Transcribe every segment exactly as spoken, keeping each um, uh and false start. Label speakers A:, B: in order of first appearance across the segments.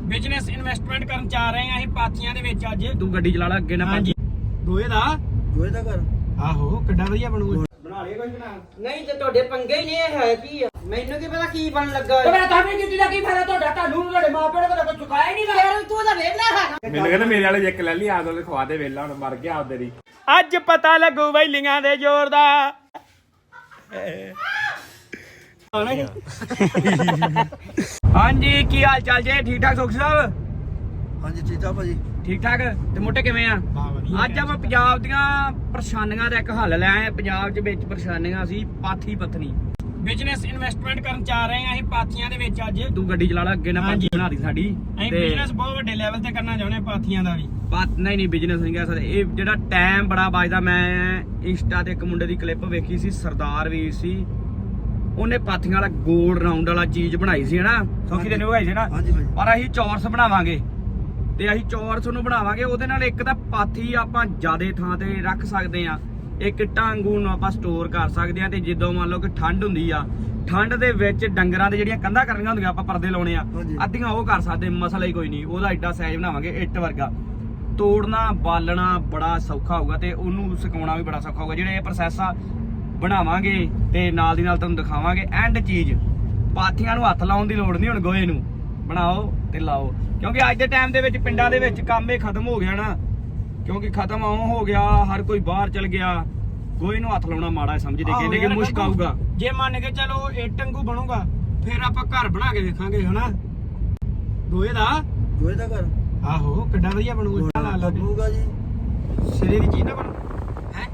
A: Business investment ਕਰਨ ਜਾ ਰਹੇ ਆ ਅਸੀਂ ਪਾਥੀਆਂ ਦੇ ਵਿੱਚ ਅੱਜ।
B: ਤੂੰ ਗੱਡੀ ਚਲਾ ਲੈ ਅੱਗੇ ਨਾ
A: ਹਾਂਜੀ ਦੋਏ ਦਾ
C: ਦੋਏ ਦਾ ਘਰ
A: ਆਹੋ ਕਿੱਡਾ ਵਧੀਆ ਬਣੂਗਾ। ਬਣਾ ਲਿਆ ਕੁਝ ਬਣਾ
D: ਨਹੀਂ ਤੇ ਤੁਹਾਡੇ ਪੰਗੇ ਹੀ ਨਹੀਂ ਇਹ ਹੈ ਕੀ ਆ ਮੈਨੂੰ ਕੀ ਪਤਾ ਕੀ ਬਣ ਲੱਗਾ
A: ਤੇ ਮੈਂ ਤਾਂ ਵੀ ਕੀਤੀ ਦਾ ਕੀ ਫਾਇਦਾ ਤੁਹਾਡਾ ਤੁਹਾਨੂੰ ਤੁਹਾਡੇ ਮਾਪਿਆਂ ਨੇ ਕਦੇ ਕੋਈ ਚੁਕਾਇਆ ਨਹੀਂ
D: ਯਾਰ ਤੂੰ ਤਾਂ ਵੇਖਣਾ ਹੈ
B: ਮੈਨੂੰ ਕਹਿੰਦਾ ਮੇਰੇ ਵਾਲੇ ਇੱਕ ਲੈ ਲਈ ਆਦ ਵਾਲੇ ਖਵਾ ਦੇ ਵੇਲਾ ਹੁਣ ਮਰ ਗਿਆ ਆਪਦੇ ਦੀ।
A: ਅੱਜ ਪਤਾ ਲੱਗੂ ਵੈਲੀਆਂ ਦੇ ਜ਼ੋਰ ਦਾ। ਹਾਂਜੀ ਕੀ ਹਾਲ ਚਾਲ ਜੇ? ਠੀਕ ਠਾਕ ਸੁਖ ਸਾਹਿਬ?
C: ਹਾਂਜੀ ਠੀਕ ਆ ਭਾਜੀ।
A: ਠੀਕ ਠਾਕ ਤੇ ਮੋਟੇ ਕਿਵੇਂ ਆ? ਅੱਜ ਆਪਾਂ ਪੰਜਾਬ ਦੀਆਂ ਪਰੇਸ਼ਾਨੀਆਂ ਦਾ ਇੱਕ ਹੱਲ ਲੈ ਆਏ। ਪੰਜਾਬ ਦੇ ਵਿੱਚ ਪਰੇਸ਼ਾਨੀਆਂ ਸੀ ਪਾਥੀ ਪੱਥਣੀ। ਬਿਜ਼ਨਸ ਇਨਵੈਸਟਮੈਂਟ ਕਰਨ ਜਾ ਰਹੇ ਆ ਅਸੀਂ ਪਾਥੀਆਂ ਦੇ ਵਿੱਚ ਅੱਜ।
B: ਤੂੰ ਗੱਡੀ ਚਲਾ ਲੈ ਅੱਗੇ ਨਾ ਪਾਥੀ ਬਣਾ ਦੀ ਸਾਡੀ।
A: ਅਸੀਂ ਬਿਜ਼ਨਸ ਬਹੁਤ ਵੱਡੇ ਲੈਵਲ ਤੇ ਕਰਨਾ ਚਾਹੁੰਦੇ ਪਾਥੀਆਂ ਦਾ ਵੀ।
B: ਪਾਤ ਨਹੀਂ ਨਹੀਂ ਬਿਜ਼ਨਸ ਨਹੀਂ ਕਹਿ ਸਕਦੇ। ਇਹ ਜਿਹੜਾ ਟਾਈਮ ਬੜਾ ਵੱਜਦਾ। ਮੈਂ ਇੰਸਟਾ ਤੇ ਇੱਕ ਮੁੰਡੇ ਦੀ ਕਲਿੱਪ ਵੇਖੀ ਸੀ, ਸਰਦਾਰ ਵੀਰ ਸੀ, ਉਹਨੇ ਪਾਥੀਆਂ ਵਾਲਾ ਗੋਲ ਰਾਉਂਡ ਵਾਲਾ ਚੀਜ਼ ਬਣਾਈ ਸੀ ਹਨਾ। ਸੌਖੀ ਤੈਨੂੰ ਬਣਾਈ ਸੀ ਨਾ।
C: ਹਾਂਜੀ ਭਾਜੀ।
B: ਪਰ ਅਸੀਂ ਚੌਰਸ ਬਣਾਵਾਂਗੇ ਤੇ ਅਸੀਂ ਚੌਰਸ ਨੂੰ ਬਣਾਵਾਂਗੇ। ਉਹਦੇ ਨਾਲ ਇੱਕ ਤਾਂ ਪਾਥੀ ਆਪਾਂ ਜ਼ਿਆਦੇ ਥਾਂ ਤੇ ਰੱਖ ਸਕਦੇ ਆ, ਇੱਕ ਟਾਂਗੂ ਨੂੰ ਆਪਾਂ ਸਟੋਰ ਕਰ ਸਕਦੇ ਆ। ਤੇ ਜਦੋਂ ਮੰਨ ਲਓ ਕਿ ਠੰਡ ਹੁੰਦੀ ਆ, ਠੰਡ ਦੇ ਵਿੱਚ ਡੰਗਰਾਂ ਦੇ ਜਿਹੜੀਆਂ ਕੰਧਾਂ ਕਰਨੀਆਂ ਹੁੰਦੀਆਂ ਆਪਾਂ ਪਰਦੇ ਲਾਉਣੇ ਆ, ਅੱਧੀਆਂ ਉਹ ਕਰ ਸਕਦੇ, ਮਸਲਾ ਹੀ ਕੋਈ ਨਹੀਂ। ਉਹਦਾ ਐਡਾ ਸਾਈਜ਼ ਬਣਾਵਾਂਗੇ ਇੱਟ ਵਰਗਾ। ਤੋੜਨਾ ਬਾਲਣਾ ਬੜਾ ਸੌਖਾ ਹੋਊਗਾ ਤੇ ਉਹਨੂੰ ਸੁਕਾਉਣਾ ਵੀ ਬੜਾ ਸੌਖਾ ਹੋਊਗਾ। ਜਿਹੜੇ ਇਹ ਪ੍ਰੋਸੈਸ ਆ ਬਣਾਵਾਂਗੇ ਤੇ ਨਾਲ ਦੀ ਨਾਲ ਤੁਹਾਨੂੰ ਦਿਖਾਵਾਂਗੇ ਐਂਡ ਚੀਜ਼। ਪਾਥੀਆਂ ਨੂੰ ਹੱਥ ਲਾਉਣ ਦੀ ਲੋੜ ਨਹੀਂ ਹੁਣ, ਗੋਹੇ ਨੂੰ ਬਣਾਓ ਤੇ ਲਾਓ। ਕਿਉਂਕਿ ਅੱਜ ਦੇ ਟਾਈਮ ਦੇ ਵਿੱਚ ਪਿੰਡਾਂ ਦੇ ਵਿੱਚ ਕੰਮ ਇਹ ਖਤਮ ਹੋ ਗਿਆ ਨਾ, ਕਿਉਂਕਿ ਖਤਮ ਆਉਂ ਹੋ ਗਿਆ, ਹਰ ਕੋਈ ਬਾਹਰ ਚਲ ਗਿਆ। ਗੋਹੇ ਨੂੰ ਹੱਥ ਲਾਉਣਾ ਮਾੜਾ ਸਮਝਦੇ, ਕਹਿੰਦੇ ਕਿ ਮੁਸ਼ਕ ਆਊਗਾ।
A: ਜੇ ਮੰਨ ਕੇ ਚਲੋ ਇੱਟ ਵਾਂਗੂ ਬਣੂਗਾ ਫਿਰ ਆਪਾਂ ਘਰ ਬਣਾ ਕੇ ਵੇਖਾਂਗੇ ਹਨਾ। ਦੋਏ ਦਾ
C: ਦੋਏ ਦਾ ਘਰ
A: ਆਹੋ ਕਿੱਡਾ ਵਧੀਆ ਬਣੂਗਾ।
C: ਲੱਗੂਗਾ ਜੀ।
A: ਸਿਰੇ ਦੀ ਚੀਜ਼ ਨਾ ਬਣੂ ਹੈ।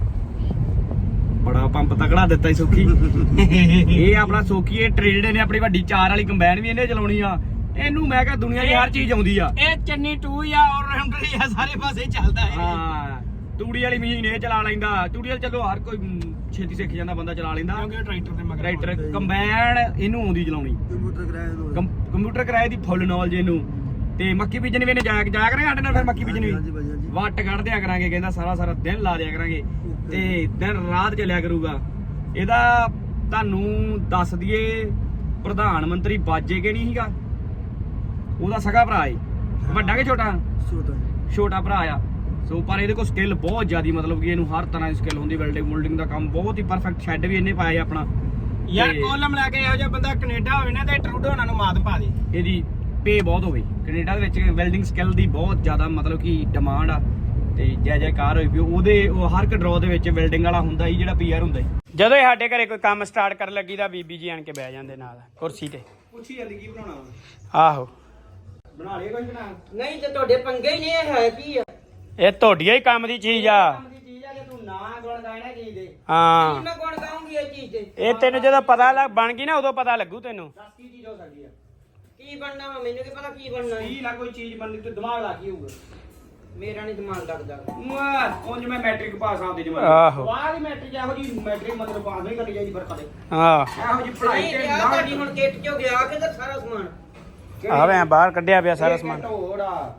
B: ਬੜਾ ਪੰਪ ਤਕੜਾ ਦਿੱਤਾ ਹੀ ਸੋਖੀ। ਇਹ ਆਪਣਾ ਸੋਖੀ ਇਹ ਟ੍ਰੇਡ ਨੇ ਆਪਣੀ ਵੱਡੀ ਚਾਰ ਵਾਲੀ ਕੰਬਾਈਨ ਵੀ ਇਹਨੇ ਚਲਾਉਣੀ ਆ। ਇਹਨੂੰ ਮੈਂ ਕਿਹਾ ਦੁਨੀਆ ਦੀ ਹਰ ਚੀਜ਼ ਆਉਂਦੀ ਆ।
A: ਇਹ ਚੰਨੀ ਟੂ ਆ ਔਰ ਰਾਉਂਡਰ ਆ, ਸਾਰੇ ਪਾਸੇ ਚੱਲਦਾ ਹੈ।
B: ਹਾਂ ਤੂੜੀ ਵਾਲੀ ਮਸ਼ੀਨ ਇਹ ਚਲਾ ਲੈਂਦਾ। ਤੂੜੀ ਵਾਲੀ ਚਲੋ ਹਰ ਕੋਈ ਛੇਤੀ ਸਿੱਖ ਜਾਂਦਾ, ਬੰਦਾ ਚਲਾ ਲੈਂਦਾ।
A: ਕਿਉਂਕਿ ਟਰੈਕਟਰ ਦੇ ਮਗਰ
B: ਟਰੈਕਟਰ ਕੰਬਾਈਨ ਇਹਨੂੰ ਆਉਂਦੀ ਚਲਾਉਣੀ।
C: ਕੰਪਿਊਟਰ ਕਿਰਾਏ ਦੋ।
B: ਕੰਪਿਊਟਰ ਕਿਰਾਏ ਦੀ ਫੁੱਲ ਨੌਲੇਜ ਇਹਨੂੰ। ਤੇ ਮੱਕੀ ਬੀਜਣ ਵੀ ਇਹਨੇ ਜਾਇਆ ਜਾਇਆ ਕਰਾਂਗੇ ਸਾਡੇ ਨਾਲ। ਫਿਰ ਮੱਕੀ ਬੀਜਣ ਵੀ
C: ਹਾਂਜੀ ਭਾਜੀ ਹਾਂਜੀ।
B: ਵੱਟ ਕੱਢ ਦਿਆ ਕਰਾਂਗੇ, ਕਹਿੰਦਾ ਸਾਰਾ ਸਾਰਾ ਦਿਨ ਲਾ ਦਿਆ ਕਰਾਂਗੇ ਤੇ ਦਿਨ ਰਾਤ ਚੱਲਿਆ ਕਰੂਗਾ। ਇਹਦਾ ਤੁਹਾਨੂੰ ਦੱਸ ਦਈਏ ਪ੍ਰਧਾਨ ਮੰਤਰੀ ਬਾਜੇ ਕੇ ਨਹੀਂ ਸੀਗਾ, ਉਹਦਾ ਸਗਾ ਭਰਾ ਏ। ਵੱਡਾ ਕਿ ਛੋਟਾ?
C: ਛੋਟਾ
B: ਛੋਟਾ ਭਰਾ ਆ। ਸੋ ਪਰ ਇਹਦੇ ਕੋਲ ਸਕਿੱਲ ਬਹੁਤ ਜ਼ਿਆਦੀ, ਮਤਲਬ ਕਿ ਇਹਨੂੰ ਹਰ ਤਰ੍ਹਾਂ ਦੀ ਸਕਿੱਲ ਹੁੰਦੀ। ਵੈਲਡਿੰਗ ਮੁਲਡਿੰਗ ਦਾ ਕੰਮ ਬਹੁਤ ਹੀ ਪਰਫੈਕਟ। ਸ਼ੈੱਡ ਵੀ ਇਹਨੇ ਪਾਇਆ ਆਪਣਾ।
A: ਯਾਰ ਕੋਲਮ ਲੈ ਕੇ ਇਹੋ ਜਿਹਾ ਬੰਦਾ ਕੈਨੇਡਾ ਹੋਵੇ ਨਾ ਤੇ ਟਰੂਡੋ ਉਹਨਾਂ ਨੂੰ ਮਾਤ ਪਾ ਦੇ।
B: ਇਹਦੀ ਪੇ ਬਹੁਤ ਹੋਵੇ ਕੈਨੇਡਾ ਦੇ ਵਿੱਚ। ਵੈਲਡਿੰਗ ਸਕਿੱਲ ਦੀ ਬਹੁਤ ਜ਼ਿਆਦਾ ਮਤਲਬ ਕਿ ਡਿਮਾਂਡ ਆ ਤੇ ਜੈ ਜੈਕਾਰ ਹੋਈ ਪਈ ਉਹਦੇ। ਉਹ ਹਰ ਇੱਕ ਡਰੋ ਦੇ ਵਿੱਚ ਵੈਲਡਿੰਗ ਵਾਲਾ ਹੁੰਦਾ ਹੀ, ਜਿਹੜਾ ਪੀਆਰ ਹੁੰਦਾ ਹੀ।
A: ਜਦੋਂ ਇਹ ਸਾਡੇ ਘਰੇ ਕੋਈ ਕੰਮ ਸਟਾਰਟ ਕਰਨ ਲੱਗੀ ਤਾਂ ਬੀਬੀ ਜੀ ਆਣ ਕੇ ਬਹਿ ਜਾਂਦੇ ਨਾਲ ਕੁਰਸੀ ਤੇ।
B: ਪੁੱਛੀ ਜਾਂਦੀ ਕੀ ਬਣਾਉਣਾ
A: ਆਹੋ
B: ਬਣਾ ਲਿਆ ਕੁਝ ਬਣਾ।
D: ਨਹੀਂ ਤੇ ਤੁਹਾਡੇ ਪੰਗੇ ਹੀ ਨਹੀਂ ਇਹ ਹੈ ਕੀ ਆ
A: ਇਹ ਤੁਹਾਡੀਆਂ ਹੀ ਕੰਮ ਦੀ ਚੀਜ਼ ਆ।
D: ਕੰਮ ਦੀ ਚੀਜ਼ ਆ ਕਿ ਤੂੰ ਨਾ ਗੁਣ ਗਾਇਣਾ ਚੀਜ਼ ਦੇ।
A: ਹਾਂ
D: ਕੀ ਮੈਂ ਗੁਣ ਗਾਉਂਗੀ ਇਹ ਚੀਜ਼ ਦੇ?
A: ਇਹ ਤੈਨੂੰ ਜਦੋਂ ਪਤਾ ਲੱਗ ਬਣ ਗਈ ਨਾ ਉਦੋਂ ਪਤਾ ਲੱਗੂ ਤੈਨੂੰ।
B: ਦੱਸ ਕੀ ਚੀਜ਼ ਹੋ ਸਕਦੀ ਆ?
D: ਕੀ ਬਣਨਾ ਵਾ ਮੈਨੂੰ ਕੀ ਪਤਾ ਕੀ ਬਣਨਾ ਹੈ।
B: ਕੀ ਨਾ ਕੋਈ ਚੀਜ਼ ਬਣਨੀ ਤੇ ਦਿਮਾਗ ਲਾ ਕੀ ਹੋਊਗਾ?
D: ਮੇਰਾ ਨਹੀਂ ਦਿਮਾਗ ਲੱਗਦਾ।
B: ਉਂਝ ਮੈਂ ਮੈਟ੍ਰਿਕ ਪਾਸ ਆਉਂਦੀ ਜਮਾਨ।
A: ਆਹੋ
B: ਬਾਅਦ ਹੀ ਮੈਟ੍ਰਿਕ ਇਹੋ ਜੀ ਮੈਟ੍ਰਿਕ ਮਤਲਬ ਪਾਸ ਨਹੀਂ ਕਰਨੀ ਚਾਹੀਦੀ ਫਿਰ ਕਦੇ।
A: ਹਾਂ
B: ਇਹੋ ਜੀ ਪੜ੍ਹਾਈ
D: ਨਹੀਂ
B: ਤੇ
D: ਗਿਆ ਤੁਹਾਡੀ ਹੁਣ ਕਿੱਟ ਚੋਂ ਗਿਆ ਕਿਧਰ ਸਾਰਾ ਸਮਾਨ?
A: ਆਵੇਂ ਬਾਹਰ ਕੱਢਿਆ ਪਿਆ ਸਾਰਾ ਸਮਾਨ।
B: ਢੋੜਾ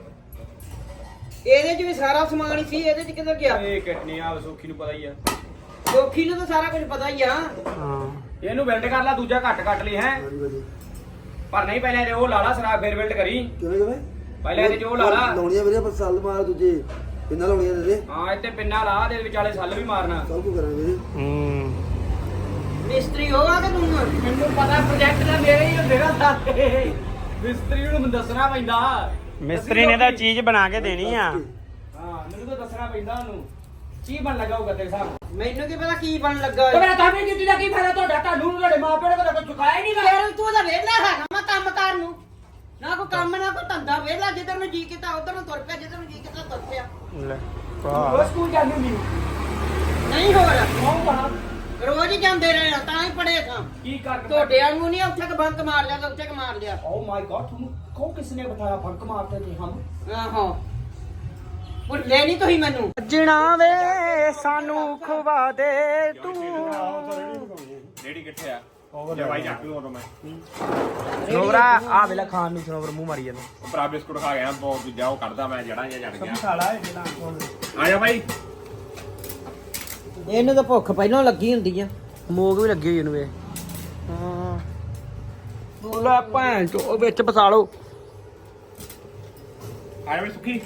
D: ਇਹਦੇ ਚ ਵੀ ਸਾਰਾ ਸਮਾਨ ਹੀ ਸੀ, ਇਹਦੇ ਚ ਕਿੱਧਰ ਗਿਆ?
B: ਇਹ ਕਿਟਨੀ ਆ ਸੋਖੀ ਨੂੰ ਪਤਾ ਹੀ ਆ।
D: ਸੋਖੀ ਨੂੰ ਤਾਂ ਸਾਰਾ ਕੁਝ ਪਤਾ ਹੀ ਆ।
A: ਹਾਂ
B: ਇਹਨੂੰ ਬਿਲਡ ਕਰ ਲਾ, ਦੂਜਾ ਘੱਟ ਕੱਟ ਲਈ ਹੈ।
C: ਹਾਂਜੀ ਭਾਜੀ।
B: ਪਰ ਨਹੀਂ ਪਹਿਲਾਂ ਇਹਦੇ ਉਹ ਲਾ ਲਾ ਸਰਾ ਫੇਰ ਬਿਲਡ ਕਰੀ।
C: ਕਿਵੇਂ ਕਿਵੇਂ
B: ਪਹਿਲਾਂ ਇਹਦੇ ਚ ਉਹ ਲਾ ਲਾ।
C: ਲਾਉਣੀਆਂ ਵੀਰੇ ਪਰ ਸੱਲ ਮਾਰ ਦੂਜੇ ਕਿੰਨਾ ਲਾਉਣੀਆਂ ਦੇ
B: ਹਾਂ ਇੱਥੇ ਪਿੰਨਾ ਲਾ ਦੇ ਵਿਚਾਲੇ ਸੱਲ ਵੀ ਮਾਰਨਾ।
C: ਸਭ ਕੁ ਕਰਾਂਗੇ ਵੀਰੇ।
A: ਹੂੰ
D: ਮਿਸਤਰੀ ਹੋਗਾ ਕਿ ਤੂੰ?
B: ਮੈਨੂੰ ਪਤਾ ਪ੍ਰੋਜੈਕਟ ਦਾ ਮੇਰੇ ਹੀ ਹੁੰਦੇ ਨਾ ਸਾਰੇ। ਮਿਸਤਰੀ ਨੂੰ ਮੈਨੂੰ ਦੱਸਣਾ ਪੈਂਦਾ।
A: ਮਿਸਤਰੀ ਨੇ ਤਾਂ ਚੀਜ਼ ਬਣਾ ਕੇ ਦੇਣੀ ਆ।
B: ਹਾਂ ਮੈਨੂੰ ਤਾਂ ਦੱਸਣਾ ਪੈਂਦਾ ਉਹਨੂੰ ਕੀ ਬਣ ਲੱਗਾ ਹੋਊਗਾ ਤੇਰੇ ਸਾਹਮਣੇ।
D: ਮੈਨੂੰ ਕੀ ਪਤਾ ਕੀ ਬਣ ਲੱਗਾ
A: ਤੇ ਮੈਂ ਤਾਂ ਵੀ ਕੀਤੀ ਦਾ ਕੀ ਫਾਇਦਾ ਤੁਹਾਡਾ ਤੁਹਾਨੂੰ ਤੁਹਾਡੇ ਮਾਪਿਆਂ ਨੇ ਕਦੇ ਕੋਈ ਚੁਕਾਇਆ ਨਹੀਂ ਗਾ।
D: ਯਾਰ ਤੂੰ ਤਾਂ ਵੇਲਾ ਹੈਗਾ ਮੈਂ ਕੰਮ ਕਰਨ ਨੂੰ। ਨਾ ਕੋਈ ਕੰਮ ਨਾ ਕੋਈ ਧੰਦਾ, ਵੇਲਾ ਜਿੱਧਰ ਨੂੰ ਜੀ ਕੀਤਾ ਉਧਰ ਨੂੰ ਤੁਰ ਪਿਆ, ਜਿੱਧਰ ਨੂੰ ਜੀ ਕੀਤਾ ਤੁਰ ਪਿਆ।
A: ਲੈ
B: ਉਹ ਸਕੂਲ ਜਾਂਦੀ ਹੁੰਦੀ
D: ਨਹੀਂ ਹੋਰ
B: ਕੌਣ ਪੜਾ
D: ਰੋਜ਼ ਹੀ ਜਾਂਦੇ ਰਹੇ ਆ, ਤਾਂ ਹੀ ਪੜੇ ਸਾਂ।
B: ਕੀ ਕਰ
D: ਤੁਹਾਡੇ ਵਾਂਗੂ ਨਹੀਂ ਉੱਥੇ ਕ ਬੰਕ ਮਾਰ ਲਿਆ ਤਾਂ ਉੱਥੇ ਕ ਮਾਰ ਲਿਆ।
B: ਓ ਮਾਈ ਗॉड ਤੁਹਾਨੂੰ ਕੌਣ ਕਿਸ ਨੇ ਬਤਾਇਆ ਫੰਕ ਮਾਰਤੇ ਥੇ ਹਮ।
D: ਆਹੋ ਭੁੱਲੇ ਨਹੀਂ ਤੁਸੀਂ ਮੈਨੂੰ।
A: ਜਣਾ ਵੇ ਸਾਨੂੰ ਖਵਾ ਦੇ ਤੂੰ।
B: ਡੇੜੀ ਕਿੱਥੇ ਆ? ਉਹ ਭਾਈ ਚੱਕ ਲੂ ਉਦੋਂ ਮੈਂ
A: ਸਨੋਵਰਾ ਆ ਵੇਲਾ ਖਾਣ ਨੂੰ ਸਨੋਵਰ ਮੂੰਹ ਮਾਰੀ ਜਾਂਦਾ।
B: ਭਰਾ ਬਿਸਕੁਟ ਖਾ ਗਿਆ ਬਹੁਤ ਦੂਜਾ ਉਹ ਕੱਢਦਾ ਮੈਂ ਜੜਾਂ ਜਾਂ ਜੜ ਗਿਆ।
A: ਸਾਲਾ
B: ਆ ਜਾ ਭਾਈ।
D: ਇਹਨੂੰ ਤਾਂ ਭੁੱਖ ਪਹਿਲਾਂ ਲੱਗੀ ਹੁੰਦੀ ਆ।
A: ਮੋਗ ਵੀ ਲੱਗੀ ਹੋਈ ਇਹਨੂੰ ਵੇ। ਹਾਂ ਲੈ ਭੈਣ ਚੋ ਵਿੱਚ ਫਸਾ ਲਓ।
E: ਆਇਆ ਵੀ ਸੁੱਕੀ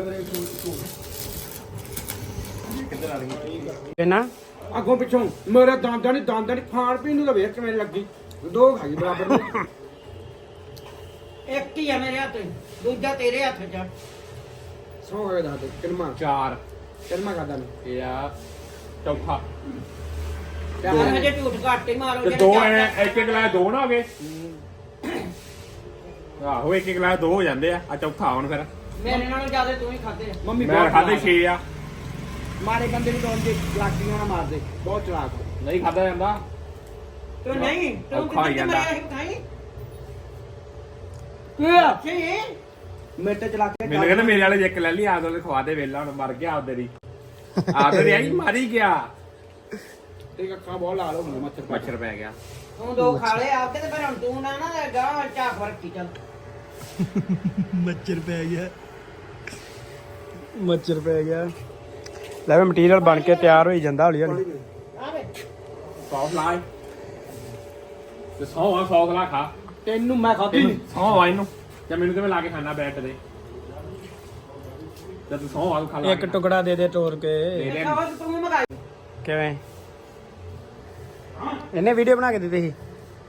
E: ਕਿੱਧਰ ਆ ਰਹੀ
B: ਕਿੰਨਾ
A: ਅੱਗੋਂ ਪਿੱਛੋਂ ਮੇਰੇ ਦੰਦਾਂ ਨਹੀਂ ਦੰਦਾਂ ਨਹੀਂ ਖਾਣ ਪੀਣ ਨੂੰ ਤਾਂ ਵੇਖ ਕਿਵੇਂ ਲੱਗੀ ਦੋ ਖਾਈ ਬਰਾਬਰ ਨੂੰ
D: ਇੱਕ ਹੀ ਆ ਮੇਰੇ ਹੱਥ ਦੂਜਾ ਤੇਰੇ ਹੱਥ 'ਚ
A: ਸੌ ਗਏ ਦਾ ਕਿਲਮਾ
E: ਚਾਰ
A: ਕਿਲਮਾ ਕਰਦਾ ਮੈਂ
E: ਇਹ ਆ ਚੌਥਾ
D: ਯਾਰ ਹਜੇ ਝੂਠ ਘੱਟ ਹੀ ਮਾਰੋ
E: ਤੇ ਦੋ ਐ ਇੱਕ ਇੱਕ ਗਲਾਸ ਦੋ ਨਾ ਹੋ ਗਏ ਆਹੋ ਇੱਕ ਇੱਕ ਗਲਾਸ ਦੋ ਹੋ ਜਾਂਦੇ ਆ ਆ ਚੌਥਾ ਹੁਣ ਫਿਰ
D: ਮੇਰੇ ਨਾਲੋਂ ਜ਼ਿਆਦਾ ਤੂੰ ਹੀ ਖਾਦੇ
A: ਮੰਮੀ
E: ਮੈਂ
A: ਬਹੁਤ
E: ਖਾਦੇ
A: ਚਲਾਕ
E: ਛੇ ਆ
A: ਮਾਰੇ ਬੰਦੇ ਨੂੰ ਦੋਨ ਦੇ ਲਾਟੀਆਂ ਨਾ ਮਾਰਦੇ ਬਹੁਤ ਚਲਾਕ
E: ਨਹੀਂ ਖਾਦਾ ਜਾਂਦਾ
D: ਤੂੰ ਨਹੀਂ ਤੂੰ
E: ਔਖਾ ਹੀ
D: ਕਿੱਥੇ
E: ਜਾਂਦਾ।
D: ਮਰਿਆ ਸੀ ਖਾਈ
A: ਕੀ ਆ
D: ਕੀ
A: ਮੇਟੇ ਚਲਾ ਕੇ
E: ਮੈਨੂੰ ਕਹਿੰਦਾ ਮੇਰੇ ਵਾਲੇ ਇੱਕ ਲੈ ਲਈ ਆਦ ਵਾਲੇ ਖਵਾ ਦੇ ਵੇਲਾ ਹੁਣ ਮਰ ਗਿਆ ਆਪਦੇ ਦੀ ਆਪਦੇ ਦੀ ਆਈ ਮਾਰੀ ਗਿਆ
A: ਤੇ ਅੱਖਾਂ ਬਹੁਤ ਲਾਲ ਹੋ ਗਈਆਂ ਮੱਛਰ
E: ਮੱਛਰ ਪੈ ਗਿਆ
D: ਤੂੰ ਦੋ ਖਾ ਲਏ ਆਪਦੇ ਤੇ ਫਿਰ ਹੁਣ ਤੂੰ ਨਾ ਨਾ ਗਾਂ ਝਾਕ ਰੱਖੀ ਚੱਲ
B: ਮੱਛਰ ਪੈ ਗਿਆ ਮੱਛਰ ਪੈ ਗਿਆ ਲੈ ਵੀ ਮਟੀਰੀਅਲ ਬਣ ਕੇ ਤਿਆਰ ਹੋਈ ਜਾਂਦਾ ਹੌਲੀ ਹੌਲੀ
D: ਆਵੇ
E: ਸੌਸ ਲਾ ਤੇ ਸੌ ਆ ਸੌਸ ਲਾ ਖਾ
A: ਤੈਨੂੰ ਮੈਂ ਖਾਧੀ
E: ਤੈਨੂੰ ਸੌ ਆ ਇਹਨੂੰ ਜਾਂ ਮੈਨੂੰ ਕਿਵੇਂ ਲਾ ਕੇ ਖਾਣਾ ਬੈਠ ਦੇ ਜਦ ਸੌ ਆ ਖਾ ਲਾ
B: ਇੱਕ ਟੁਕੜਾ ਦੇ ਦੇ ਤੋੜ ਕੇ
E: ਦੇ ਦੇ
D: ਖਾਵਾ ਤੂੰ ਮਗਾਈ
B: ਕਿਵੇਂ ਇਹਨੇ ਵੀਡੀਓ ਬਣਾ ਕੇ ਦਿੱਤੀ ਸੀ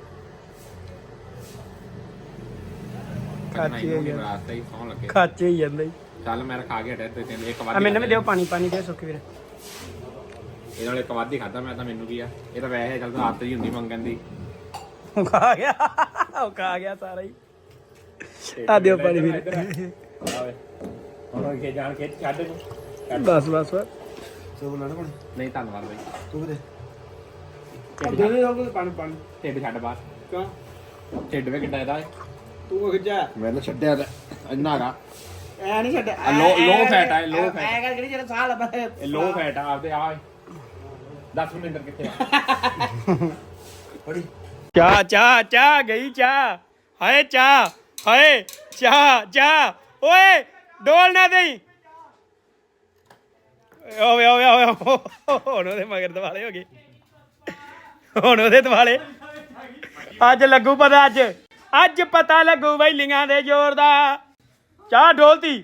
B: ਖਾਚੀ ਹੋਈ ਜਾਂਦਾ
E: ਰਾਤ ਹੀ ਸੌ ਲੱਗੇ
B: ਖਾਚੇ ਹੀ ਜਾਂਦਾ ਜੀ
E: ਚੱਲ ਮੈਂ ਖਾ ਕੇ ਹਟਿਆ ਤੇ ਤੈਨੂੰ ਇੱਕ ਵਾਰ
B: ਆ ਮੈਨੂੰ ਵੀ ਦਿਓ ਪਾਣੀ ਪਾਣੀ ਦੇ ਸੁੱਕੀ ਵੀਰ
E: ਇਹ ਨਾਲ ਇੱਕ ਵਾਰ ਹੀ ਖਾਦਾ ਮੈਂ ਤਾਂ ਮੈਨੂੰ ਕੀ ਆ ਇਹ ਤਾਂ ਵੈਸੇ ਚੱਲ ਤਾਂ ਆਦਤ ਹੀ ਹੁੰਦੀ ਮੰਗਣ ਦੀ
B: ਉਹ ਖਾ ਗਿਆ ਉਹ ਖਾ ਗਿਆ ਸਾਰਾ ਹੀ ਆ ਦਿਓ ਪਾਣੀ ਵੀਰ
E: ਆਵੇ ਹੁਣ ਕੇ ਜਾਣ ਕੇ ਛੱਡ ਨੂੰ
B: ਬਸ ਬਸ ਬਸ
C: ਸੋ ਬਣਾ ਕੋਣ
E: ਨਹੀਂ ਧੰਨਵਾਦ ਬਾਈ
C: ਤੂੰ ਦੇ
A: ਦੇ ਦੇ ਉਹ ਪਾਣੀ ਪਾਣੀ
E: ਢਿੱਡ ਛੱਡ ਬਾਹਰ
A: ਕਿਉਂ
E: ਢਿੱਡ ਵੇ ਕਿੱਡਾ ਇਹਦਾ
A: ਤੂੰ ਖਿੱਚਿਆ
E: ਮੈਂ ਤਾਂ ਛੱਡਿਆ ਤਾਂ ਇੰਨਾ ਹੈਗਾ
A: ਐ ਨਹੀਂ ਛੱਡਿਆ
E: ਆ low- low fat ਆ, ਇਹ low fat।
A: ਐ ਕਰਕੇ ਜਿਹੜਾ ਸਾਹ ਲੱਭਾ
E: ਇਹ ਲੋ ਫੈਟ ਆ ਆਪਦੇ ਆ ਦਸ ਮਿੰਟ ਕਿੱਥੇ ਆ
C: ਫੜੀ
B: ਚਾਹ ਚਾਹ ਚਾਹ ਗਈ ਚਾਹ ਹਾਏ ਚਾਹ ਹਾਏ ਚਾਹ ਚਾਹ ਓਏ ਡੋਲ ਨਾ ਦੇਈ ਓਏ ਓਏ ਓਏ ਹੁਣ ਉਹਦੇ ਮਗਰ ਦਿਵਾਲੇ ਹੋ ਗਏ ਹੁਣ ਉਹਦੇ ਦਿਵਾਲੇ ਅੱਜ ਲੱਗੂ ਪਤਾ ਅੱਜ ਅੱਜ ਪਤਾ ਲੱਗੂ ਵੈਲੀਆਂ ਦੇ ਜ਼ੋਰ ਦਾ ਚਾਹ ਡੋਲਤੀ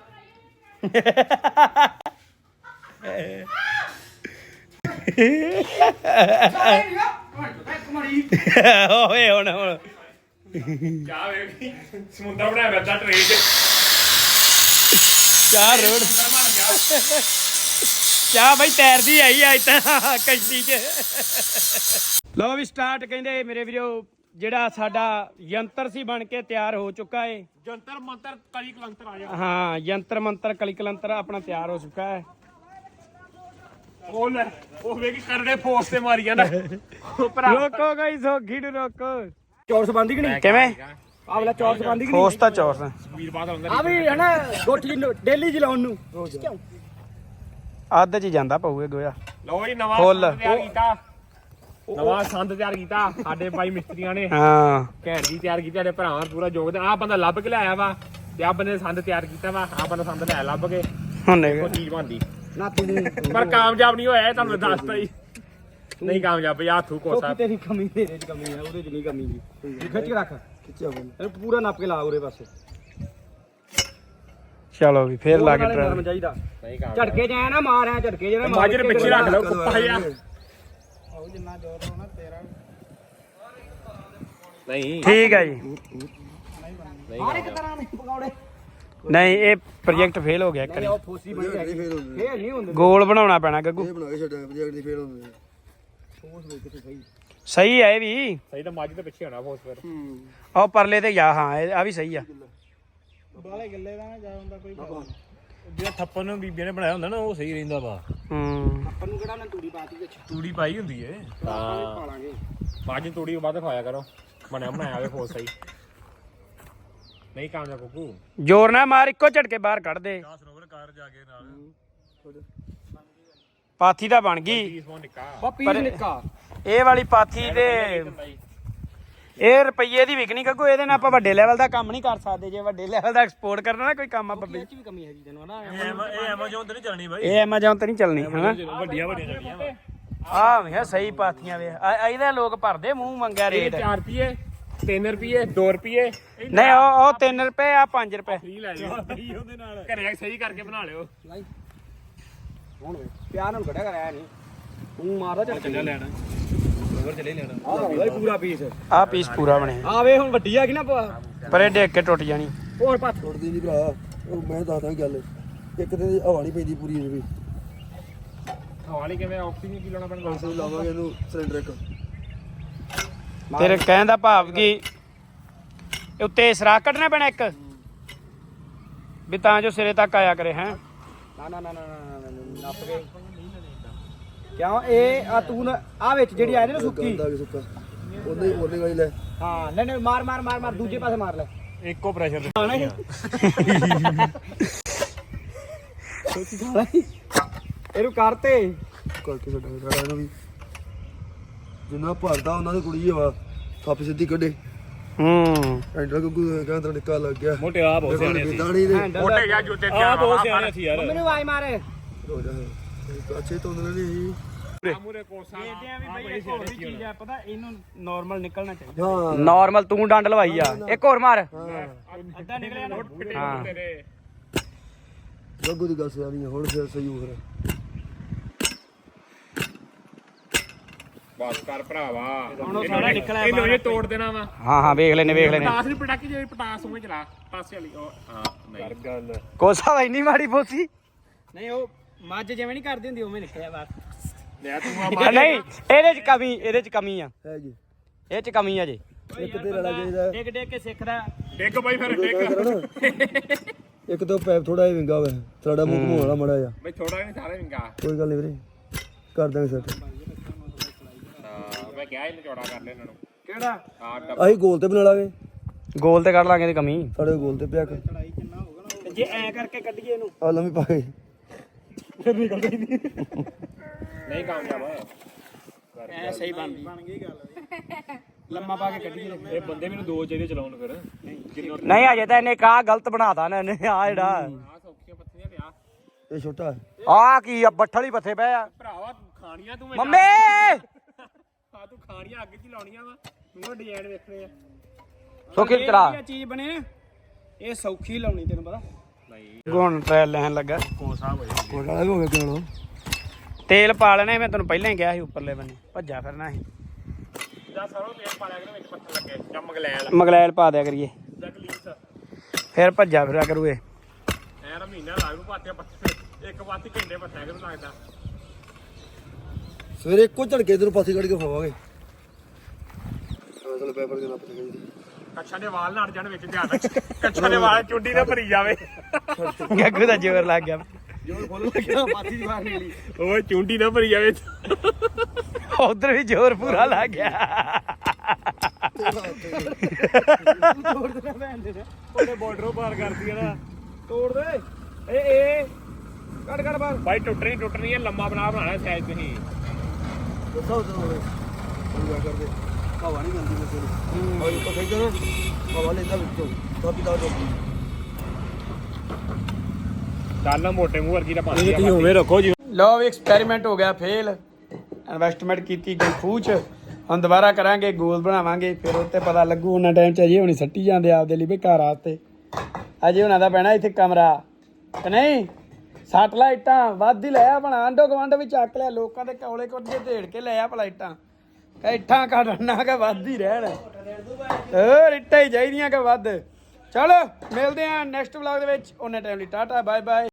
B: ਓਏ ਹੁਣ ਹੁਣ
E: ਚਾਹ ਵੇਖੀ ਸਮੁੰਦਰ ਬਣਾਇਆ ਵਰਦਾ ਟ੍ਰੇਨ 'ਚ
B: ਚਾਹ ਰੋਡ ਚਾਹ ਬਈ ਤੈਰਦੀ ਆਈ ਅੱਜ ਤਾਂ ਕਸ਼ਤੀ 'ਚ ਲਓ ਵੀ ਸਟਾਰਟ ਕਹਿੰਦੇ ਮੇਰੇ ਵੀਰੋ ਜਿਹੜਾ ਸਾਡਾ ਯੰਤਰ ਸੀ ਬਣ ਕੇ ਤਿਆਰ ਹੋ ਚੁੱਕਾ ਏ
E: ਜੰਤਰ ਮੰਤਰ ਕਲੀ ਕਲੰਤਰ ਆ ਜਾ
B: ਹਾਂ ਯੰਤਰ ਮੰਤਰ ਕਲੀ ਕਲੰਤਰ ਆਪਣਾ ਤਿਆਰ ਹੋ ਚੁੱਕਾ ਹੈ
E: ਉਹ ਲੈ ਉਹ ਵੇਖੀ ਕਰੜੇ ਫੋਰਸ ਤੇ ਮਾਰੀ ਜਾਂਦਾ ਉਹ ਭਰਾ
B: ਰੋਕੋ ਗਈ ਸੋਖੀ ਨੂੰ ਰੋਕੋ
A: ਚੌਰਸ ਬੰਦੀ ਕਿ ਨਹੀਂ
B: ਕਿਵੇਂ
A: ਆਵਲਾ ਚੌਰਸ ਬੰਦੀ ਕਿ
B: ਹੋਸ ਤਾਂ ਚੌਰਸ
E: ਵੀਰ ਬਾਦ ਹੁੰਦਾ
A: ਆ ਵੀ ਹਨਾ ਗੋਠੀ ਡੇਲੀ ਚਲਾਉਣ ਨੂੰ ਰੋਜ਼
B: ਅੱਧ ਚ ਹੀ ਜਾਂਦਾ ਪਊਏ ਗੋਇਆ
E: ਲਓ ਜੀ ਨਵਾਂ
B: ਫੁੱਲ।
E: ਸੰਦ ਤਿਆਰ ਕੀਤਾ ਨਵਾਂ ਸੰਦ ਤਿਆਰ ਕੀਤਾ ਸਾਡੇ ਭਾਈ ਮਿਸਤਰੀਆਂ ਨੇ
B: ਹਾਂ
E: ਘੈਂਟ ਜੀ ਤਿਆਰ ਕੀਤੀ ਸਾਡੇ ਭਰਾਵਾਂ ਦਾ ਪੂਰਾ ਯੋਗਦਾਨ ਆਹ ਬੰਦਾ ਲੱਭ ਕੇ ਲਿਆਇਆ ਵਾ ਤੇ ਆਹ ਬੰਦੇ ਨੇ ਸੰਦ ਤਿਆਰ ਕੀਤਾ ਵਾ ਆਹ ਬੰਦਾ ਸੰਦ ਲਿਆ ਲੱਭ ਕੇ
B: ਹੁਣ
E: ਉਹ ਚੀਜ਼ ਬਣਦੀ
A: ਨਾ ਤੂੰ
E: ਪਰ ਕਾਮਯਾਬ ਨਹੀਂ ਹੋਇਆ ਇਹ ਤੁਹਾਨੂੰ ਦੱਸਤਾ ਹੀ ਨਹੀਂ ਕਾਮਯਾਬ ਬਈ ਹੱਥੂ ਕੋਸਾ
A: ਸੋਕੀ ਤੇਰੀ ਕਮੀ ਤੇਰੇ ਚ ਕਮੀ ਹੈ ਉਹਦੇ ਚ ਨਹੀਂ ਕਮੀ ਜੀ ਖਿੱਚ ਕੇ ਰੱਖ
C: ਖਿੱਚਿਆ ਬੋਲ
A: ਇਹਨੂੰ ਪੂਰਾ ਨੱਪ ਕੇ ਲਾ ਉਰੇ ਪਾਸੇ
B: ਚਲੋ ਵੀ ਫੇਰ ਲਾ ਕੇ
A: ਨਾਲੇ ਨਰਮ
B: ਟਰਾਈ
A: ਚਾਹੀਦਾ
E: ਨਹੀਂ ਕਾਮਯਾਬ
A: ਝਟਕੇ ਜਾਇਆ ਨਾ ਮਾਰ ਆ ਝਟਕੇ ਜਿਹੜਾ
E: ਮਾਜਰ ਪਿੱਛੇ ਰੱਖ ਲਓ ਕੁੱਪਾ ਜਿਹਾ ਨਹੀਂ
B: ਠੀਕ ਹੈ ਜੀ
E: ਨਹੀਂ
A: ਹਰ ਇੱਕ ਤਰ੍ਹਾਂ ਦੇ ਪਕੌੜੇ
B: ਨਹੀਂ ਇਹ ਪ੍ਰੋਜੈਕਟ ਫੇਲ ਹੋ ਗਿਆ ਇੱਕ ਵਾਰੀ
A: ਉਹ ਫੋਸੀ ਬਣੀ
C: ਨਹੀਂ
A: ਹੈਗੀ
C: ਫੇਲ ਹੁੰਦੇ
A: ਇਹ ਨਹੀਂ ਹੁੰਦੇ
B: ਗੋਲ ਬਣਾਉਣਾ ਪੈਣਾ ਗੱਗੂ
C: ਇਹ ਬਣਾ ਕੇ ਛੱਡਿਆ ਪ੍ਰੋਜੈਕਟ ਦੀ ਫੇਲ ਹੁੰਦੇ
A: ਫੋਸ ਵੇਖ ਕੇ ਸਹੀ
B: ਸਹੀ ਹੈ ਇਹ ਵੀ
E: ਸਹੀ ਤਾਂ ਮੱਝ ਦੇ ਪਿੱਛੇ ਹੋਣਾ ਫੋਸ ਫਿਰ
C: ਹੂੰ
B: ਉਹ ਪਰਲੇ ਤੇ ਜਾ ਹਾਂ ਇਹ ਆ ਵੀ ਸਹੀ ਆ
A: ਬਾਲੇ ਗੱਲੇ ਦਾ ਨਾ ਜਾ ਹੁੰਦਾ ਕੋਈ
E: ਜਿਹੜਾ ਥੱਪੜ ਨੂੰ ਬੀਬੀਆਂ ਨੇ ਬਣਾਇਆ ਹੁੰਦਾ ਨਾ ਉਹ ਸਹੀ ਰਹਿੰਦਾ ਵਾ
B: ਹੂੰ
A: ਆਪਾਂ ਨੂੰ ਕਿਹੜਾ ਨਾ ਤੂੜੀ ਪਾਤੀ ਵਿੱਚ
E: ਤੂੜੀ ਪਾਈ ਹੁੰਦੀ ਏ ਹਾਂ
A: ਪਾਲਾਂਗੇ
E: ਮੱਝ ਤੂੜੀ ਵੱਧ ਖਵਾਇਆ ਕਰੋ ਬਣਿਆ ਬਣਾਇਆ ਹੋਵੇ ਫੋਸ ਸਹੀ ਨਹੀਂ ਕਾਮਯਾਬ ਕੁੱਕੂ
B: ਜ਼ੋਰ ਨਾ ਮਾਰ ਇੱਕੋ ਝਟਕੇ ਬਾਹਰ ਕੱਢ ਦੇ
E: ਸਰੋਵਰ ਕਾਰ ਜਾ ਕੇ ਨਾਲ
B: ਪਾਥੀ ਤਾਂ ਬਣ ਗਈ
E: ਪੀਸ ਮੋਂ ਨਿੱਕਾ
A: ਉਹ ਪੀਸ ਨਿੱਕਾ
B: ਇਹ ਵਾਲੀ ਪਾਥੀ ਤੇ ਇਹ ਰੁਪਈਏ ਦੀ ਵਿਕਣੀ ਗੱਗੂ ਇਹਦੇ ਨਾਲ ਆਪਾਂ ਵੱਡੇ ਲੈਵਲ ਦਾ ਕੰਮ ਨਹੀਂ ਕਰ ਸਕਦੇ ਜੇ ਵੱਡੇ ਲੈਵਲ ਦਾ ਐਕਸਪੋਰਟ ਕਰਨਾ ਨਾ ਕੋਈ ਕੰਮ ਆ ਬੱਬੇ
A: ਇਹ ਚ ਵੀ ਕਮੀ ਹੈਗੀ ਤੈਨੂੰ ਹਨਾ
E: ਇਹ ਐਮਾਜ਼ੋਨ ਤੇ ਨਹੀਂ ਚੱਲਣੀ ਬਾਈ
B: ਇਹ ਐਮਾਜ਼ੋਨ ਤੇ ਨਹੀਂ ਚੱਲਣੀ ਹਨਾ
E: ਵੱਡੀਆਂ ਵੱਡੀਆਂ ਚੱਲਣੀਆਂ ਵਾ
B: ਆਹ ਵੇ ਸਹੀ ਪਾਥੀਆਂ ਵੇ ਆ- ਇਹਦੇ ਲੋਕ ਭਰਦੇ ਮੂੰਹ ਮੰਗਿਆ
E: ਇਹ
B: ਰੇਟ
E: ਚਾਰ ਰੁਪਏ ਤਿੰਨ ਰੁਪਏ ਦੋ ਰੁਪਏ
A: ਨਹੀਂ ਉਹ ਉਹ ਤਿੰਨ ਰੁਪਏ ਆ ਪੰਜ ਰੁਪਏ
E: ਫ੍ਰੀ ਲੈ ਜਾਓ ਉਹਦੇ ਨਾਲ ਘਰੇ ਸਹੀ ਕਰਕੇ ਬਣਾ ਲਿਓ
A: ਹੁਣ ਪਿਆਰ ਨਾਲ ਕੱਢਿਆ ਕਰਾਇਆ ਨਹੀਂ ਤੂੰ ਮਾਰਦਾ ਚੱਲ
E: ਚੱਲਿਆ ਲੈਣਾ ਹੋਰ ਚੱਲੇ ਲੈਣਾ
A: ਆਹ ਪੂਰਾ ਪੀਸ ਆ ਪੀਸ ਪੂਰਾ ਬਣਿਆ ਆ ਵੇ ਹੁਣ ਵੱਡੀ ਆ ਗਈ ਨਾ ਪਰ ਇਹ ਡੇਕ ਕੇ ਟੁੱਟ ਜਾਣੀ ਹੋਰ ਪੱਤ
C: ਟੁੱਟਦੀ ਨਹੀਂ ਭਰਾ ਉਹ ਮੈਂ ਦੱਸਦਾ ਗੱਲ ਇੱਕ ਦਿਨ ਦੀ ਹਵਾ ਨਹੀਂ ਪੈਂਦੀ ਪੂਰੀ ਇਹਦੇ ਵੀ
E: ਹਵਾਲੀ ਕਿਵੇਂ ਆਕਸੀਜਨ ਕੀ ਲਾਉਣਾ ਪੈਣਾ
C: ਅਸੀਂ ਲਾਵਾਂਗੇ ਇਹਨੂੰ ਸਿਲੰਡਰ ਇੱਕ
A: ਤੇਰੇ ਕਹਿਣ ਦਾ ਭਾਵ ਕਿ ਉੱਤੇ ਸਰਾਖ ਕੱਢਣਾ ਪੈਣਾ ਇੱਕ ਵੀ ਤਾਂ ਜੋ ਸਿਰੇ ਤੱਕ ਆਇਆ ਕਰੇ ਹੈ ਨਾ ਨਾ ਨਾ ਨਾ ਨੱਪ ਕੇ ਕਿਉਂ ਇਹ ਆ ਤੂੰ ਆ ਵਿੱਚ ਜਿਹੜੀ ਆਈ ਨਾ ਸੁੱਕੀ
C: ਗੰਦਾ ਵੀ ਸੁੱਕਾ ਉਹਦੇ ਉਹਦੇ ਵਾਲੀ ਲੈ
A: ਹਾਂ ਨਹੀਂ ਨਹੀਂ ਮਾਰ ਮਾਰ ਮਾਰ ਮਾਰ ਦੂਜੇ ਪਾਸੇ ਮਾਰ ਲੈ
E: ਇੱਕੋ ਪ੍ਰੈਸ਼ਰ ਤੇ
A: ਇਹਨੂੰ ਕਰਤੇ
C: ਕਰਕੇ ਛੱਡਾਂਗੇ ਸਾਰਾ ਇਹਨੂੰ ਵੀ ਜਿੰਨਾ ਭਰਦਾ ਉਹਨਾਂ ਦੀ ਕੁੜੀ ਆ ਥੱਪ ਸਿੱਧੀ ਕੱਢੇ
A: ਹੂੰ
C: ਐਂਡਰ ਕੋ ਕਹਿੰਦਾ ਨਿੱਕਾ ਲੱਗ ਗਿਆ
E: ਮੋਟੇ ਆ ਬਹੁਤ ਸਿਆਣੇ ਸੀ
C: ਦਾੜੀ ਦੇ
E: ਮੋਟੇ ਜਾਂ ਜੁੱਤੇ ਆ ਬਹੁਤ ਸਿਆਣੇ ਸੀ ਯਾਰ
A: ਮੈਨੂੰ ਆਵਾਜ਼ ਮਾਰ
C: ਹੋ ਜਾ ਅੱਛੇ ਤੋਂ ਉਹਨਾਂ ਨੇ
E: ਮੂਰੇ ਕੋਸਾ
A: ਦੇਖਦੇ ਆ ਵੀ ਬਈ ਇੱਕ ਹੋਰ ਵੀ ਚੀਜ਼ ਆ ਪਤਾ ਇਹਨੂੰ ਨਾਰਮਲ ਨਿਕਲਣਾ ਚਾਹੀਦਾ
C: ਹਾਂ
A: ਨਾਰਮਲ ਤੂੰ ਡੰਡ ਲਵਾਈ ਆ ਇੱਕ ਹੋਰ ਮਾਰ ਅੱਧਾ ਨਿਕਲਿਆ ਨਾ
E: ਹਾਂ ਤੇਰੇ
C: ਗੱਗੂ ਦੀ ਗੱਲ ਸਿਆਣੀ ਹੁਣ ਫਿਰ ਸਹੀ ਹੋ ਰਿਹਾ
E: ਬਸ ਕਰ ਭਰਾਵਾ
A: ਹੁਣ ਉਹ ਸਾਰਾ ਨਿਕਲਿਆ
E: ਇਹਨੂੰ ਇਹ ਤੋੜ ਦੇਣਾ ਵਾ
A: ਹਾਂ ਹਾਂ ਵੇਖ ਲੈਨੇ ਵੇਖ ਲੈਨੇ
E: ਪਟਾਸ ਨਹੀਂ ਪਟਾਕੀ ਜਿਹੜੀ ਪਟਾਸ ਉਵੇਂ ਚਲਾ ਪਾਸੇ ਵਾਲੀ ਉਹ ਹਾਂ ਨਹੀਂ ਗੱਲ
A: ਕੋਸਾ ਵਾ ਇੰਨੀ ਮਾੜੀ ਬੋਸੀ ਨਹੀਂ ਉਹ ਮੱਝ ਜਿਵੇਂ ਨਹੀਂ ਕਰਦੀ ਹੁੰਦੀ ਉਵੇਂ ਨਿਕਲਿਆ ਬਾਹਰ
E: ਲੈ ਤੂੰ ਆ
A: ਨਹੀਂ ਇਹਦੇ ਚ ਕਮੀ ਇਹਦੇ ਚ ਕਮੀ ਆ
C: ਹੈ ਜੀ
A: ਇਹ ਚ ਕਮੀ ਆ ਜੇ
C: ਇੱਕ ਤੇ ਰਲਾ ਚਾਹੀਦਾ
A: ਡਿੱਗ ਡਿੱਗ ਕੇ ਸਿੱਖਦਾ
E: ਡਿੱਗ ਬਈ ਫਿਰ ਡਿੱਗ
C: ਇੱਕ ਤਾਂ ਪੈਪ ਥੋੜਾ ਜਿਹਾ ਵਿੰਗਾ ਵੇ ਸਾਡਾ ਮੂੰਹ ਘੁਮਾਉਣ ਵਾਲਾ ਮੜਾ ਜਾ
E: ਬਈ ਥੋੜਾ ਨਹੀਂ ਸਾਰਾ ਵਿੰਗਾ
C: ਕੋਈ ਗੱਲ ਨਹੀਂ ਵੀਰੇ ਕਰ ਦਾਂਗੇ ਸੈੱਟ
E: ਹਾਂ ਮੈਂ ਕਿਹਾ ਇਹਨੂੰ ਚੌੜਾ ਕਰ ਲੈ ਇਹਨਾਂ ਨੂੰ
A: ਕਿਹੜਾ
E: ਹਾਂ
C: ਅਸੀਂ ਗੋਲ ਤੇ ਬਣਾ ਲਾਂਗੇ
A: ਗੋਲ ਤੇ ਕੱਢ ਲਾਂਗੇ ਇਹਦੀ ਕਮੀ
C: ਸਾਡੇ ਗੋਲ ਤੇ ਪਿਆ ਕਰ
A: ਤੇ ਜੇ ਐ ਕਰਕੇ ਕੱਢੀਏ ਇਹਨੂੰ
C: ਆ ਲੰਮੀ ਪਾ ਕੇ
E: ਨਹੀਂ ਕਾਮਯਾਬ
A: ਐ ਸਹੀ ਬਣਦੀ ਬਣ ਗਈ ਗੱਲ ਲੰਮਾ ਪਾ ਕੇ ਕੱਢੀਏ
E: ਇਹ ਬੰਦੇ ਮੈਨੂੰ ਦੋ ਚਾਹੀਦੇ ਚਲਾਉਣ ਫਿਰ ਕਿੰਨਾ
A: ਨਹੀਂ ਅਜੇ ਤਾਂ ਇਹਨੇ ਕਾ ਗਲਤ ਬਣਾਤਾ ਨਾ ਇਹਨੇ ਆ ਜਿਹੜਾ
E: ਆ ਸੌਖੀਆਂ ਪੱਥੀਆਂ ਪਿਆ
C: ਇਹ ਛੋਟਾ ਹੈ
A: ਆ ਕੀ ਆ ਬੱਠਲ ਹੀ ਪੱਥੇ ਪਏ ਆ
E: ਭਰਾਵਾ ਖਾਣੀਆਂ ਤੂੰ
A: ਮੰਮੀ
E: ਹਾਂ ਤੂੰ ਖਾਣੀਆਂ ਅੱਗ 'ਚ ਹੀ ਲਾਉਣੀਆਂ ਵਾ ਤੂੰ ਡਿਜ਼ਾਈਨ ਵੇਖਣੇ ਆ
A: ਸੋਖੀ ਤਰਾ ਚੀਜ਼ ਬਣੇ ਨਾ ਇਹ ਸੌਖੀ ਲਾਉਣੀ ਤੈਨੂੰ ਪਤਾ
E: ਨਹੀਂ
A: ਗੁਣ ਟ੍ਰਾਇਲ ਲੈਣ ਲੱਗਾ
E: ਕੋਸਾ ਹੋਏ
C: ਕੋਲ ਵਾਲਾ ਵੀ ਹੋ ਗਿਆ ਕਿਉਂ
A: ਤੇਲ ਪਾ ਲੈਣਾ ਮੈਂ ਤੈਨੂੰ ਪਹਿਲਾਂ ਹੀ ਕਿਹਾ ਸੀ ਉੱਪਰਲੇ ਬੰਨੇ ਭੱਜਾ ਫਿਰਨਾ ਸੀ
E: ਜਾਂ ਸਰੋਂ ਤੇਲ ਪਾ ਲਿਆ ਕਰ ਵਿੱਚ ਪੱਥਰ ਲੱਗੇ ਜਾਂ ਮਗਲੈਲ
A: ਮਗਲੈਲ ਪਾ ਦਿਆ ਕਰੀਏ
E: ਜਾਂ ਗਲੀਸ
A: ਫਿਰ ਭੱਜਾ ਫਿਰਿਆ ਕਰੂਏ
E: ਐ ਮਹੀਨਾ ਲਾਗੂ ਪਾਤੇ ਪੱਥਰ ਇੱਕ ਪਾਤੀ ਘੰਟੇ ਪੱਥਿਆ ਕਰੂ ਲੱਗਦਾ
C: ਸਵੇਰੇ ਇੱਕੋ ਝੜਕੇ ਇਧਰੋਂ ਪਾਸੇ ਕੱਢ ਕੇ ਖਾਵਾਂਗੇ ਅਸਲ ਪੈਪਰ ਦੇ ਨੱਪ ਤੇ ਗਈ
E: ਕੱਛਾਂ ਦੇ ਵਾਲ ਨਾ ਅੜ ਜਾਣ ਵਿੱਚ ਧਿਆਨ ਰੱਖ ਕੱਛਾਂ ਦੇ ਵਾਲ ਚੁੰਡੀ ਨਾ ਭਰੀ ਜਾਵੇ
A: ਗੱਗੂ ਦਾ ਜ਼ੋਰ ਲੱਗ ਗਿਆ
C: ਜੋਰ ਖੋਲ ਲੱਗਿਆ ਪਾਤੀ ਦੀ ਬਾਹਰ ਨਿਕਲੀ
E: ਓਏ ਚੁੰਡੀ ਨਾ ਭਰੀ ਜਾਵੇ
A: ਉਧਰ ਵੀ ਜ਼ੋਰ ਪੂਰਾ ਲੱਗ ਗਿਆ
E: ਉਹਨੇ ਬਾਰਡਰੋਂ ਪਾਰ ਕਰਦੀ ਆ ਨਾ
A: ਤੋੜ ਦੇ ਏ ਏ ਕੱਢ ਕੱਢ ਬਾਹਰ
E: ਬਾਈ ਟੁੱਟਣੀ ਟੁੱਟਣੀ ਹੈ ਲੰਮਾ ਬਣਾ ਬਣਾਣਾ ਸਾਈਜ਼ ਤੁਸੀਂ
C: ਦੱਸੋ ਉਧਰ ਹੋਵੇ ਪੂਰਾ ਕਰਦੇ ਹਵਾ ਨਹੀਂ ਮਿਲਦੀ ਕਿਸੇ ਨੂੰ ਔਰ ਉੱਪਰ ਖੇਡ ਨਾ ਹਵਾ ਲੈਂਦਾ ਵਿੱਚੋਂ ਕਾਪੀ ਦਾ ਜੋ
E: ਚੱਲ ਮੋਟੇ ਮੂੰਹ ਵਰਗੀ ਦਾ ਪਾਣੀ ਤੁਸੀਂ ਉਵੇਂ ਰੱਖੋ ਜੀ
A: ਲਓ ਵੀ ਐਕਸਪੈਰੀਮੈਂਟ ਹੋ ਗਿਆ ਫੇਲ ਇਨਵੈਸਟਮੈਂਟ ਕੀਤੀ ਗਈ ਖੂਚ ਹੁਣ ਦੁਬਾਰਾ ਕਰਾਂਗੇ ਗੋਲ ਬਣਾਵਾਂਗੇ ਫਿਰ ਉੱਤੇ ਪਤਾ ਲੱਗੂ ਉਹਨਾਂ ਟਾਈਮ ਚ ਅਜੇ ਹੁਣੀ ਸੱਟੀ ਜਾਂਦੇ ਆਪਦੇ ਲਈ ਵੀ ਘਰ ਵਾਸਤੇ ਅਜੇ ਉਹਨਾਂ ਦਾ ਪੈਣਾ ਇੱਥੇ ਕਮਰਾ ਕਿ ਨਹੀਂ ਸੱਟ ਲਾਈਟਾਂ ਵੱਧ ਹੀ ਲਿਆ ਬਣਾ ਆਂਡੋ ਗਵੰਡ ਵੀ ਚੱਕ ਲਿਆ ਲੋਕਾਂ ਦੇ ਕੌਲੇ ਕੋਠੇ ਢੇੜ ਕੇ ਲਿਆ ਪਲਾਈਟਾਂ ਇੱਟਾਂ ਕੱਢਣਾ ਕਿ ਵੱਧ ਹੀ ਰਹਿਣ ਹੋਰ ਇੱਟਾਂ ਹੀ ਚਾਹੀਦੀਆਂ ਕਿ ਵੱਧ ਚਲੋ ਮਿਲਦੇ ਆਂ ਨੈਕਸਟ ਵਲੌਗ ਦੇ ਵਿੱਚ ਉਹਨੇ ਟਾਈਮ ਲਈ ਟਾਟਾ ਬਾਏ ਬਾਏ